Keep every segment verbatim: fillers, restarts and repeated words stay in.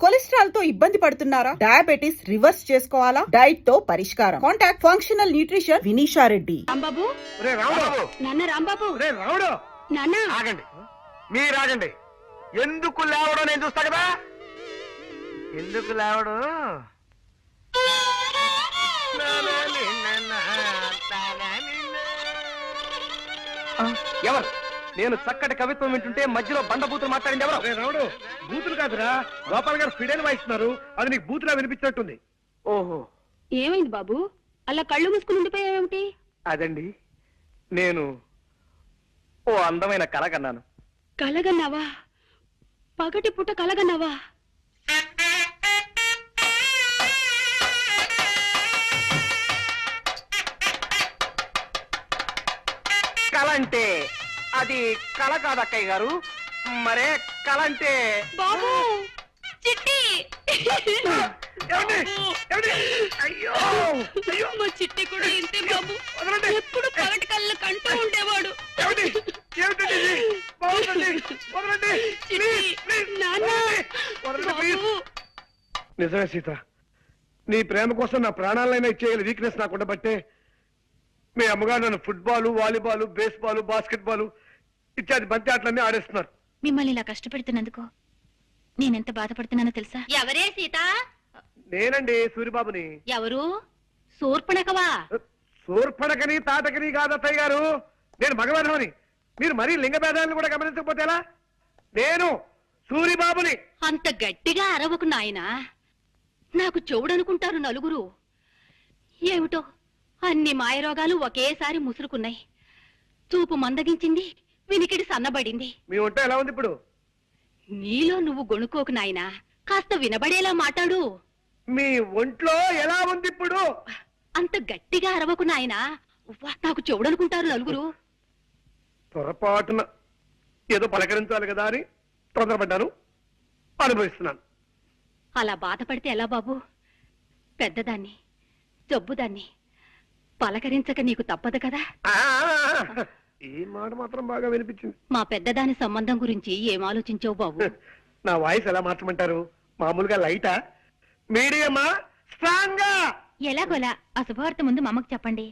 Cholesterol తో ఇబ్బంది పడుతున్నారా? డయాబెటిస్ రివర్స్ చేసుకోవాలా? డైట్ తో పరిష్కారం. Contact functional nutrition Vinisha Reddy. Rambabu రే రాముడు, నాన్న రాంబాబు రే రాముడు, నాన్న ఆగండి, మీరు ఆగండి. ఎందుకు లేవడం నేను చూస్తా కదా. ఎందుకు లేవడు? ఎవరు? నేను చక్కటి కవిత్వం వింటుంటే మధ్యలో బండబూతులు మాట్లాడింది ఎవరు? రే రాముడు, బూతులు కాదురా, గోపాల్ గారు ఫిడేలు వాయిస్తున్నారు. అది నీకు బూతులా వినిపించినట్టుంది. ఓహో, ఏమైంది బాబు? అలా కళ్ళు మూసుకుని ఉండిపోయావేమిటి? అదండి, నేను ఓ అందమైన కళ కన్నాను. కలగన్నావా? పగటి పుట్ట కలగన్నావా? కళ అంటే అది కళ కాదు అక్కయ్య గారు. మరే కళ అంటే బాబు చిట్టి ఏమండి? ఏమండి? అయ్యో అయ్యో, మా చిట్టి కూడా ఇంతే బాబు. వదలండి. ఎప్పుడు పగటి కళ్ళు కంటూ ఉండేవాడు. ఏమండి? ఏమిటండి ఇది? బాగుందండి. వదలండి. చిట్టి, ప్లీజ్, ప్లీజ్, నాన్న, వదలండి. వదలండి, ప్లీజ్. బాబు. నిజమే సీత, నీ ప్రేమ కోసం నా ప్రాణాలైనా ఇచ్చేయాలి వీక్నెస్ నాకు ఉండబట్టే మీ అమ్మగారు నన్ను football, volleyball, baseball, basketball ఇత్యాది బంతి ఆటలన్నీ ఆడేస్తున్నారు. మిమ్మల్ని ఇలా కష్టపెడుతున్నందుకు నేనెంత బాధపడుతున్నానో తెలుసా? ఎవరే సీత? నేనండి సూరిబాబుని. ఎవరు? శూర్పణఖవా? సూర్పణకని తాటకని కాదత్తయ్య గారు, నేను మగవేధమని. మీరు మరీ లింగ భేదాలను కూడా గమనించకపోతే ఎలా? నేను సూరిబాబుని. అంత గట్టిగా అరవకు నాయనా, నాకు చెవుడనుకుంటారు నలుగురు. ఏమిటో అన్ని మాయరోగాలు ఒకేసారి ముసురుకున్నాయి. చూపు మందగించింది, వినికిడి సన్నబడింది. మీ ఒంట ఎలా ఉంది ఇప్పుడు? నీలో నువ్వు గొణుకోకు నాయనా, కాస్త వినబడేలా మాట్లాడు. మీ ఒంట్లో ఎలా ఉంది ఇప్పుడు? అంత గట్టిగా అరవకు నాయనా, ఉవ్వ, నాకు చెవుడనుకుంటారు నలుగురు. పొరపాటున ఏదో పలకరించాలి కదా అని తొందరపడ్డాను, అనుభవిస్తున్నాను. అలా బాధపడితే ఎలా బాబు? పెద్దదాన్ని, జబ్బుదాన్ని పలకరించక నీకు తప్పదు కదా. ఆ, ఈ మాట మాత్రం బాగా వినిపించింది. మా పెద్దదాని సంబంధం గురించి ఏం ఆలోచించావు బాబు? నా వాయిస్ ఎలా మార్చమంటారు? మామూలుగా లైటా, మీడియమా, స్ట్రాంగా? ఎలాగోలా ఆ శుభవార్త ముందు మా అమ్మకు చెప్పండి.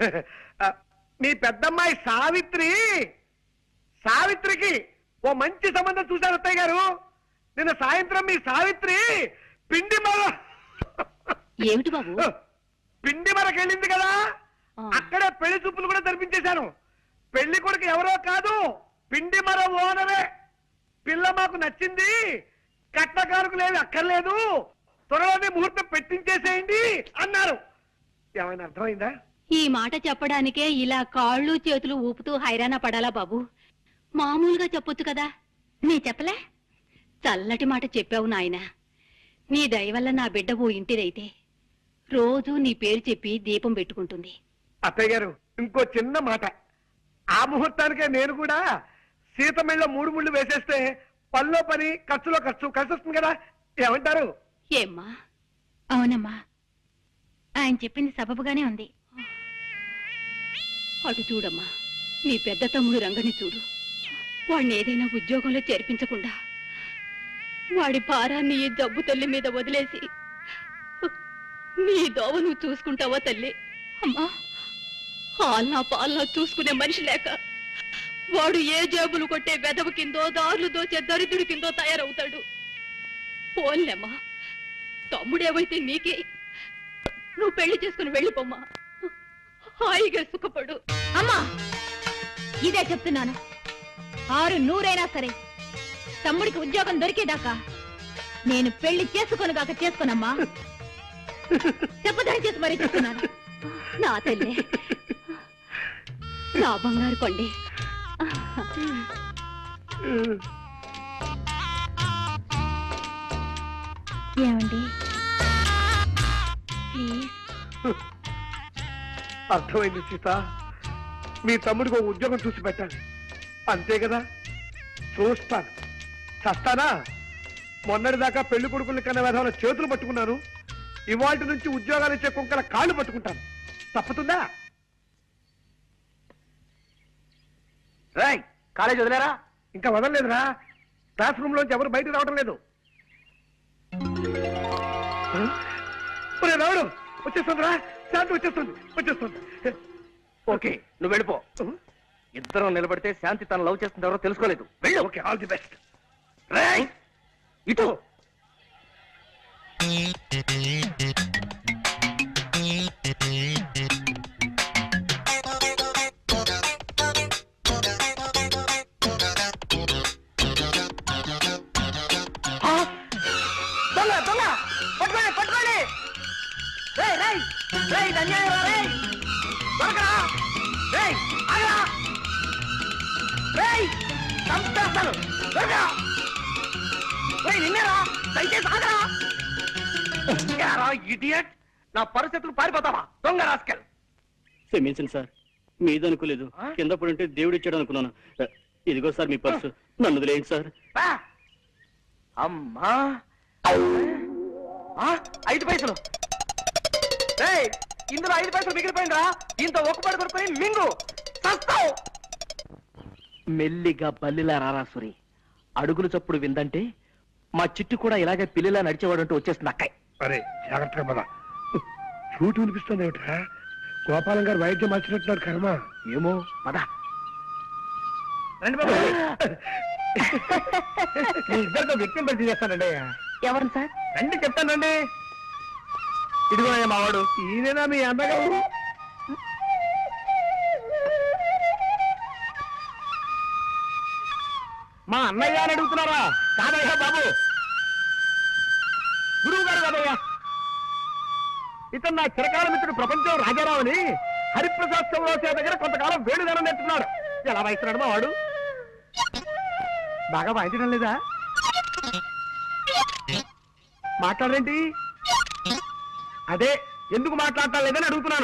మీ పెద్దమ్మాయి సావిత్రి, సావిత్రికి ఓ మంచి సంబంధం చూశారు అత్తయ్య గారు. నిన్న సాయంత్రం మీ సావిత్రి పిండి మర ఏమిటి బాబు? పిండి మరకెళ్ళింది కదా, అక్కడే పెళ్లి చూపులు కూడా జరిపించేశాను. పెళ్లి కొడుకు ఎవరో కాదు, పిండి మర ఓనరే. పిల్ల మాకు నచ్చింది, కట్నకారుకులేవి అక్కర్లేదు, త్వరలోనే ముహూర్తం పెట్టించేసేయండి అన్నారు. ఏమైనా అర్థమైందా? ఈ మాట చెప్పడానికే ఇలా కాళ్ళు చేతులు ఊపుతూ హైరాణ పడాలా బాబు? మామూలుగా చెప్పొచ్చు కదా. నీ చెప్పలే? చల్లటి మాట చెప్పావు నాయనా. నీ దయ వల్ల నా బిడ్డ ఓ ఇంటిదైతే రోజు నీ పేరు చెప్పి దీపం పెట్టుకుంటుంది. అత్తయ్య గారు, ఇంకో చిన్న మాట. ఆ ముహూర్తానికే నేను కూడా సీతమిళ్ళ మూడు ముళ్ళు వేసేస్తే పనిలో పని, ఖర్చులో ఖర్చు కలిసి వస్తుంది కదా. ఏమంటారు? ఏమ్మా? అవునమ్మా, ఆయన చెప్పింది సబబుగానే ఉంది. అటు చూడమ్మా, నీ పెద్ద తమ్ముడు రంగని చూడు. వాడిని ఏదైనా ఉద్యోగంలో చేర్పించకుండా వాడి భారాన్ని ఈ జబ్బు తల్లి మీద వదిలేసి నీ దోవ నువ్వు చూసుకుంటావా తల్లి? అమ్మా, హాల్నా పాలనా చూసుకునే మనిషి లేక వాడు ఏ జేబులు కొట్టే వెదవ కిందో, దారులు దోచే దరిద్రుడి కిందో తయారవుతాడు. పోన్లేమ్మా, తమ్ముడేవైతే నీకే. నువ్వు పెళ్లి చేసుకుని వెళ్ళిపోమ్మా, హాయిగా సుఖపడు. అమ్మా, ఇదే చెప్తున్నాను. ఆరు నూరైనా సరే తమ్ముడికి ఉద్యోగం దొరికేదాకా నేను పెళ్లి చేసుకొని కాక చేసుకోనమ్మా. చెప్పదని చేసి మరీ చెప్తున్నాను. నా తల్లి, నా బంగారు కొండే. ఏమండి ప్లీజ్? అర్థమైంది సీత, మీ తమ్ముడికి ఒక ఉద్యోగం చూసి పెట్టాలి, అంతే కదా. చూస్తాను, చస్తానా? మొన్నటిదాకా పెళ్లి కొడుకుల్ని కన్నా విధాన చేతులు పట్టుకున్నాను, ఇవాళ నుంచి ఉద్యోగాలు ఇచ్చే కుంకల కాళ్ళు పట్టుకుంటాను. తప్పుతుందా? కాలేజ్ వదిలేరా? ఇంకా వదలలేదురా. క్లాస్ రూమ్ లోంచి ఎవరు బయటకు రావడం లేదు. ఒరే రావుడు వచ్చేస్తుందిరా, శాంతి వచ్చేస్తుంది వచ్చేస్తుంది. ఓకే నువ్వు వెళ్ళిపో. ఇద్దరం నిలబడితే శాంతి తన లవ్ చేస్తుంది ఎవరో తెలుసుకోలేదు. వెళ్ళు. Okay, all the best. రేయ్, ఇటు. ఆ! దొంగ దొంగ పట్టుకోండి పట్టుకోండి. రేయ్ రేయ్ రేయ్ ఇది అన్యాయం రా. రేయ్ దొరకరా. రేయ్ ఆగరా. రేయ్ చంపేస్తాను. దొరకరా. రేయ్ నిన్నేరా. దయచేసి ఆగరా. యారా ఇడియట్, నా పరిస్థితులు పారిపోతావా దొంగ రాస్కెల్. క్షమించండి సార్, మీదనుకోలేదు. కింద పడుంటే దేవుడు ఇచ్చాడు అనుకున్నాను. ఇదిగో సార్ మీ పర్సు, నన్ను వదిలేయండి సార్. బా. అమ్మా ఆ, ఐదు పైసలు. రేయ్ ఇందులో ఐదు పైసలు మిగిలిపోయిందిరా. దీంతో ఒక్కపడి కొడుకుని మింగు చస్తావు. మెల్లిగా బల్లిలా రారాసురి. అడుగులు చప్పుడు విందంటే మా చిట్టు కూడా ఇలాగే పిల్లిలా నడిచేవాడంటూ వచ్చేస్తుంది అక్కయ్. అరే జాగ్రత్తగా పద. చూటు వినిపిస్తుంది ఏమిట్రా? గోపాలం గారు వైద్యం మార్చినట్టున్నారు కర్మ. ఏమో పద. రండి బాబు. మీ ఇద్దరితో వ్యక్తిని పరిచయం చేస్తానండి. ఎవరు సార్? రండి చెప్తానండి. ఇదిగో మావాడు. ఈయనేనా మీ అన్నగారు? మా అన్నయ్య అని అడుగుతున్నారా? కాదయ్యా బాబు, గురువు గారు కాదయ్యా. ఇతను నా చిరకాల మిత్రుడు ప్రపంచం రాజారావు అని హరిప్రసాద్ చౌరాసే దగ్గర కొంతకాలం వేడుదనం నేర్చుకున్నాడు. ఎలా వాయిస్తున్నాడు మా వాడు? బాగా వాయించడం లేదా? మాట్లాడరేంటి? అదే ఎందుకు మాట్లాడటం లేదని అడుగుతున్నాను.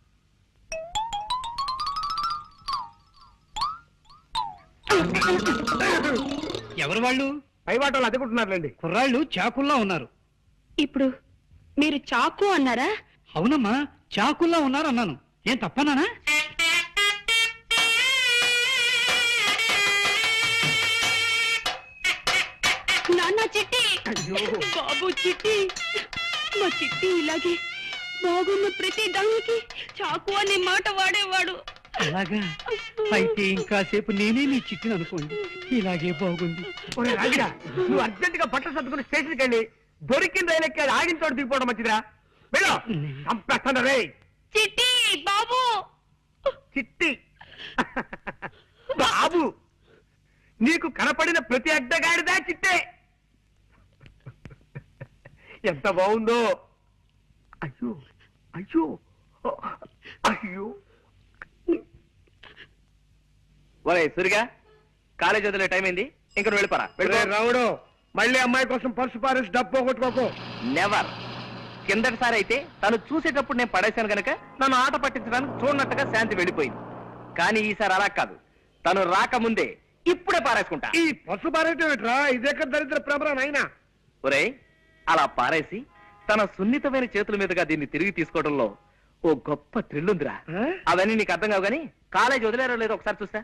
ఎవరు వాళ్ళు? పై వాటలు అదుకుంటున్నారులేండి. కుర్రాళ్ళు చాకుల్లా ఉన్నారు. ఇప్పుడు మీరు చాకు అన్నారా? అవునమ్మా, చాకుల్లా ఉన్నారు అన్నాను. ఏం తప్పనానా? నాన్న చిట్టి, బాబు చిట్టి, మా చిట్టి ఇలాగే బాగున్న ప్రతి దానికి చాకు అనే మాట వాడేవాడు. అలాగా అయితే ఇంకాసేపు నేనే నీ చిట్టును అనుకోండి. ఇలాగే బాగుంది. ఒరే రాజుగా, నువ్వు అర్జెంట్ గా బట్టలు సర్దుకుని స్టేషన్కి వెళ్ళి దొరికిన రైలు ఎక్కి అది ఆగిన చోటు దిగిపోవడం మంచిదిరా. వెళ్ళు. చంపేస్తాను రే. చిట్టి బాబు. చిట్టి బాబు, నీకు కనపడిన ప్రతి అడ్డగాడిదా చిట్టే. ఎంత బాగుందో. అయ్యో అయ్యో అయ్యో. ఒరే సురిగా, కాలేజ్ వదిలే టైం అయింది. ఇంకా నువ్వు వెళ్ళిపోరా. ఒరే రావుడు, మళ్ళీ అమ్మాయి కోసం పర్సు పారేసి డబ్బు పోగొట్టుకోకు. నెవర్. కిందటిసారి అయితే తను చూసేటప్పుడు నేను పడేశాను గనక నన్ను ఆట పట్టించడానికి చూడనట్టుగా శాంతి వెళ్ళిపోయింది. కానీ ఈసారి అలా కాదు, తను రాకముందే ఇప్పుడే పారేసుకుంటా. ఈ పర్సు పారేయటం ఏంట్రా? ఇదేక దరిద్ర ప్రభరా నాయనా. ఒరే అలా పారేసి తన సున్నితమైన చేతుల మీదుగా దీన్ని తిరిగి తీసుకోవడంలో ఓ గొప్ప థ్రిల్ ఉందిరా. ఆ? అవన్నీ నీకు అర్థం కావు గానీ కాలేజ్ వదిలేరో లేదో ఒకసారి చూస్తా.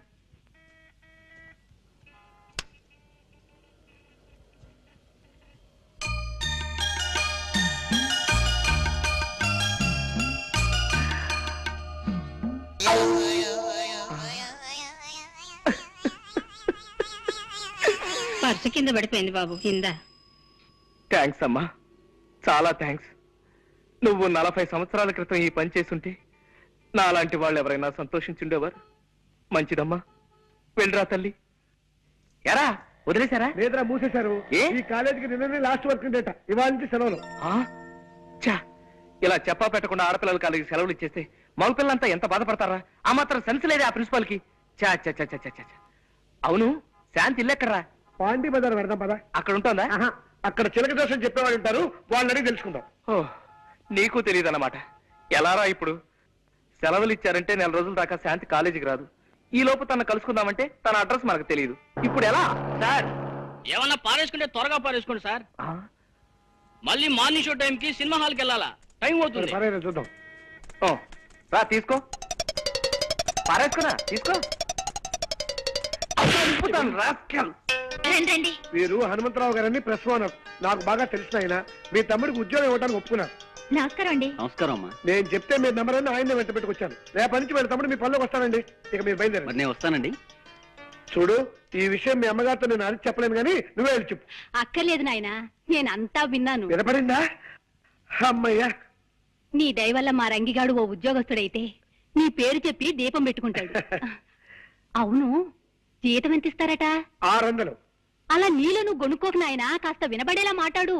పర్సు కింద పడిపోయింది బాబు. కింద. థ్యాంక్స్ అమ్మా, చాలా థ్యాంక్స్. నువ్వు నలభై సంవత్సరాల క్రితం ఈ పని చేసుంటే నాలాంటి వాళ్ళు ఎవరైనా సంతోషించుండేవారు. మంచిదమ్మా, వెళ్ళరా తల్లి. ఎరా వదిలేశారా? లేదురా, మూసేశారు. ఏ? ఈ కాలేజీకి నిన్ననే లాస్ట్ వర్క్ డేట. ఇవాళ నుంచి సెలవులు. ఆ? ఛా, ఇలా చెప్పా పెట్టకుండా ఆడపిల్లల కాలేజీ సెలవులు ఇచ్చేస్తే మగపిల్లంతా ఎంత బాధపడతారా? ఆ మాత్రం సెన్స్ లేదే ఆ ప్రిన్సిపాల్ కి. చా చా చా చా చా చా. అవును, శాంతి ఇల్లెక్కడరా? పాండి బజార్ పెడదాం పదా. అక్కడ ఉంటుందా? ఆహా, అక్కడ చిలక దోషం చెప్పేవాళ్ళు ఉంటారు, వాళ్ళని అడిగి తెలుసుకుందాం. ఓ, నీకు తెలియదన్నమాట. ఎలారా ఇప్పుడు? సెలవులు ఇచ్చారంటే నెల రోజుల దాకా శాంతి కాలేజీకి రాదు. ఈ లోపు తన కలుసుకుందామంటే తన అడ్రస్ మనకు తెలియదు. ఇప్పుడు ఎలా సార్? ఏమన్నా పారేసుకుంటే త్వరగా పారేసుకోండి సార్. మళ్ళీ మార్నింగ్ షో టైం కి సినిమా హాల్కి వెళ్ళాలా? టైం అవుతుంది. పర్వాలేదు, చూద్దాం. ఓ, రా తీసుకో. పారేసుకున్నా తీసుకో. అబ్బా, నింపుతాను, rascal. రండి రండి. వీరు హనుమంతరావు గారని ప్రెస్ ఓనర్. నాకు బాగా తెలిసిన ఆయన. మీ తమ్ముడికి ఉద్యోగం ఇవ్వడానికి ఒప్పుకున్నారు. నమస్కారం అండి. నమస్కారం అమ్మా. నేను చెప్తే మీ నెంబర్ అని ఆయన వెంట పెట్టుకొచ్చాను. రేపటి నుంచి వీళ్ళ తమ్ముడు మీ పనిలోకి వస్తానండి. ఇక మీరు బయలుదేరండి. మరి నేను వస్తానండి. చూడు, ఈ విషయం మీ అమ్మగారితో నేను అది చెప్పలేను కానీ నువ్వే వెళ్ళి చెప్పు. అక్కర్లేదు నాయనా, నేనంతా విన్నాను. వినపడిందా? అమ్మయ్యా. నీ దయ వల్ల మా రంగిగాడు ఓ ఉద్యోగస్తుడైతే నీ పేరు చెప్పి దీపం పెట్టుకుంటాడు. అవును, జీతం ఎంత ఇస్తారట? ఆరు వందలు. అలా నీలో నువ్వు గొనుక్కోకు నాయనా, కాస్త వినబడేలా మాట్లాడు.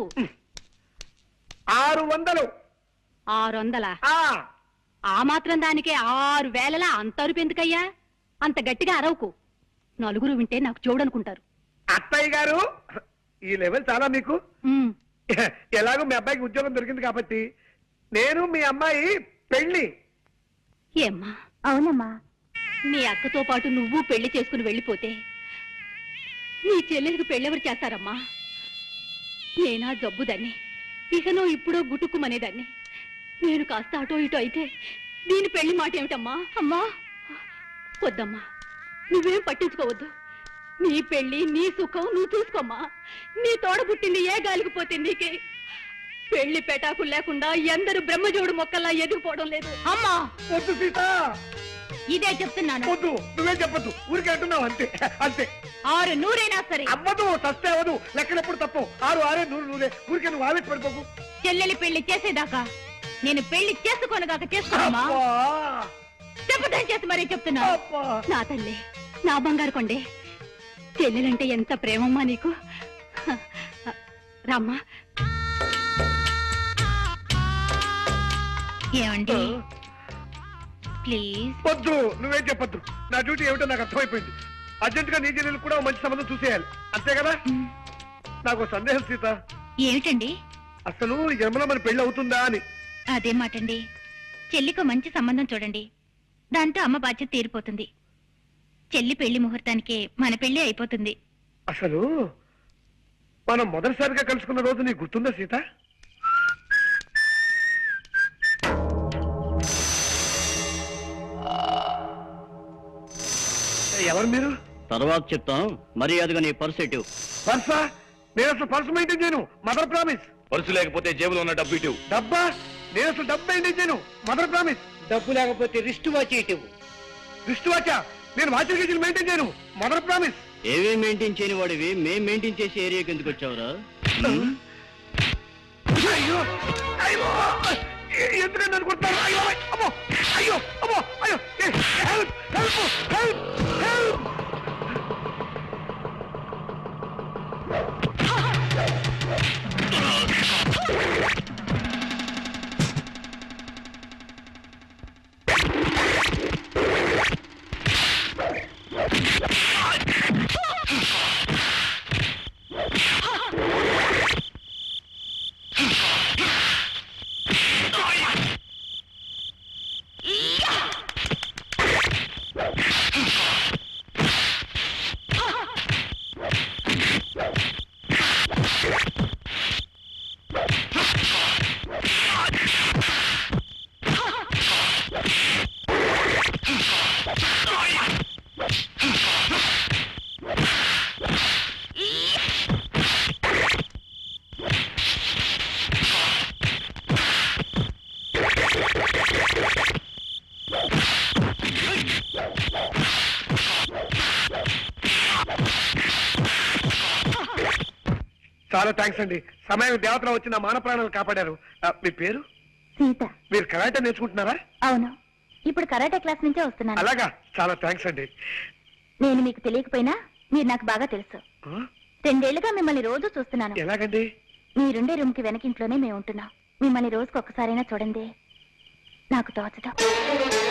ఆరు వందలు. ఆరు వందలా? ఆ ఆ మాత్రం దానికే ఆరు వేలలా అంత అరుపు ఎందుకయ్యా? అంత గట్టిగా అరవకు, నలుగురు వింటే నాకు చూడనుకుంటారు. అత్తయ్య గారు, ఈ లెవెల్ చాలా మీకు. ఉమ్, ఎలాగో మీ అబ్బాయికి ఉద్యోగం దొరికింది కాబట్టి నేను మీ అమ్మాయి పెళ్లి. ఏమ్మా, అవునమ్మా. నీ అక్కతో పాటు నువ్వు పెళ్లి చేసుకుని వెళ్ళిపోతే నీ చెల్లెలకు పెళ్ళెవరు చేస్తారమ్మా? నేనా జబ్బుదాన్ని, ఇకనో ఇప్పుడో గుటుక్కుమనేదాన్ని. నేను కాస్త అటో ఇటో అయితే దీని పెళ్లి మాట ఏమిటమ్మా? అమ్మా వద్దమ్మా, నువ్వేం పట్టించుకోవద్దు. నీ పెళ్లి నీ సుఖం నువ్వు చూసుకోమ్మా. నీ తోడ పుట్టింది ఏ గాలికిపోతే నీకే. పెళ్లి పెటాకులు లేకుండా ఎందరు బ్రహ్మజోడు మొక్కల్లా ఎదిగిపోవడం లేదు. అమ్మా వద్దు సీత, ఇదే చెప్తున్నాను. వద్దు, నువ్వే చెప్పొద్దు. ఊరికి అంటున్నావు అంతే అంతే. ఆరు నూరైనా సరే అవ్వదు, సస్తే అవ్వదు. లెక్కలెప్పుడు తప్పు. ఆరు ఆరే నూరు నూరే. ఊరికే నువ్వు ఆవేశ పడిపోకు. చెల్లెలి పెళ్లి చేసేదాకా నేను పెళ్లి చేసుకోనగాక చేసుకోమా? అబ్బా, చెప్పదని చేసి మరీ చెప్తున్నా. అబ్బా. నా తల్లి, నా బంగారు కొండే, చెల్లెలంటే ఎంత ప్రేమమ్మా నీకు. రామ్మా. ఏమండి ప్లీజ్. వద్దు, నువ్వేం చెప్పొద్దు. నా డ్యూటీ ఏమిటో నాకు అర్థమైపోయింది. అర్జెంట్ గా నీ చెల్లెలు కూడా ఓ మంచి సంబంధం చూసేయాలి, అంతే కదా? నాకు సందేహం సీత, ఏమిటండి? అసలు ఈ జన్మలో మన పెళ్లి అవుతుందా అని. అదే మాటండి. చెల్లికి మంచి సంబంధం చూడండి, దాంతో అమ్మ బాధ్యత తీరిపోతుంది. చెల్లి పెళ్లి ముహూర్తానికే మన పెళ్లి అయిపోతుంది. అసలు మనం మొదటిసారిగా కలుసుకున్న రోజు నీకు గుర్తుందా సీత? ఎవరు మీరు? తర్వాత చెప్తాం, మర్యాదగా నీ పర్స్ ఎటు. పర్సా? నేను అసలు పర్సు మెయింటైన్ చేయను. Mother promise. పర్సు లేకపోతే జేబులో ఉన్న డబ్బు ఇటు. డబ్బా? నేను అసలు డబ్బు మెయింటైన్ చేయను. Mother promise. డబ్బు లేకపోతే రిస్ట్ వాచ్ ఇటు. దృష్టి వాచా? నేను వాచర్ గేజీలు మెయింటైన్ చేయను. Mother promise. ఏవే మెయింటైన్ చేయని వాడివి మేం మెయింటైన్ చేసే ఏరియాకి ఎందుకు వచ్చావురా? అయ్యో అయ్యో, ఎందుకంటే అనుకుంటున్నాను. అయ్యో అమ్మో, అయ్యో అమ్మో, అయ్యో, హెల్ప్ హెల్ప్ హెల్ప్ హెల్ప్. చాలా థ్యాంక్స్ అండి. సమయం దేవతలో వచ్చి నా మాన ప్రాణాలు కాపాడారు. ఆ, మీ పేరు? సీత. మీరు కరాటే నేర్చుకుంటున్నారా? అవును, ఇప్పుడు కరాటే క్లాస్ నుంచే వస్తున్నాను. అలాగా, చాలా థ్యాంక్స్ అండి. నేను మీకు తెలియకపోయినా మీరు నాకు బాగా తెలుసు. ఆ? రెండేళ్లుగా మిమ్మల్ని రోజు చూస్తున్నాను. ఎలాగండి? మీరుండే రూమ్ కి వెనకింట్లోనే మేము ఉంటున్నాం. మిమ్మల్ని రోజుకు ఒక్కసారైనా చూడండి, నాకు తోచదు.